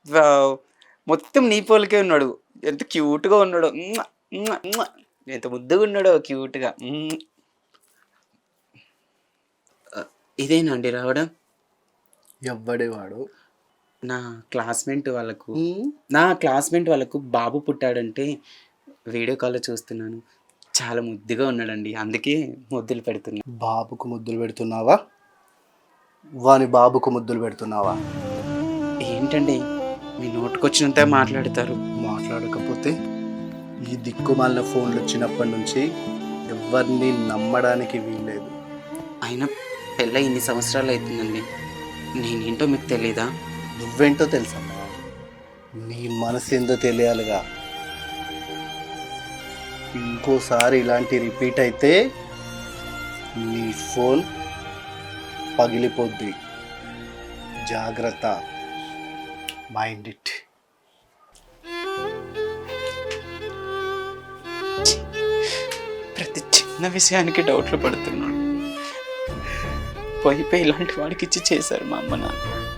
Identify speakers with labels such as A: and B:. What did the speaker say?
A: Wow! మొత్తం నీ పోలికే ఉన్నాడు. ఎంత క్యూట్‌గా ఉన్నాడో. మ్మ! మ్మ! మ్మ! ఎంత ముద్దుగా ఉన్నాడో క్యూట్‌గా. ఇదేనా అండి రావడం?
B: ఎవ్వడే వాడు?
A: నా క్లాస్‌మేట్ వాళ్ళకు
B: హ్మ్.
A: నా క్లాస్‌మేట్ వాళ్ళకు బాబు పుట్టాడంటే వీడియో కాల్‌లో చూస్తున్నాను. చాలా ముద్దుగా ఉన్నాడండి. అందుకే ముద్దులు పెడుతున్నా.
B: బాబుకు ముద్దులు పెడుతున్నావా? వాని బాబుకు ముద్దులు పెడుతున్నావా?
A: ఏంటండి మీ నోటికొచ్చినంతే మాట్లాడతారు.
B: మాట్లాడకపోతే ఈ దిక్కుమాలిన ఫోన్లు వచ్చినప్పటి నుంచి ఎవరిని నమ్మడానికి వీల్లేదు.
A: అయినా పెళ్ళై ఇన్ని సంవత్సరాలు అయితుందండి. నేనేంటో మీకు తెలీదా?
B: నువ్వేంటో తెలుసమ్మా. నీ మనసు ఏందో తెలియాలిగా. ఇంకోసారి ఇలాంటి రిపీట్ అయితే నీ ఫోన్ పగిలిపోద్ది. జాగ్రత్త. Mind it.
A: ప్రతి చిన్న విషయానికి డౌట్లు పడుతున్నాడు. పోయి ఇలాంటి వాడికి ఇచ్చి చేశారు మా అమ్మ నాన్న.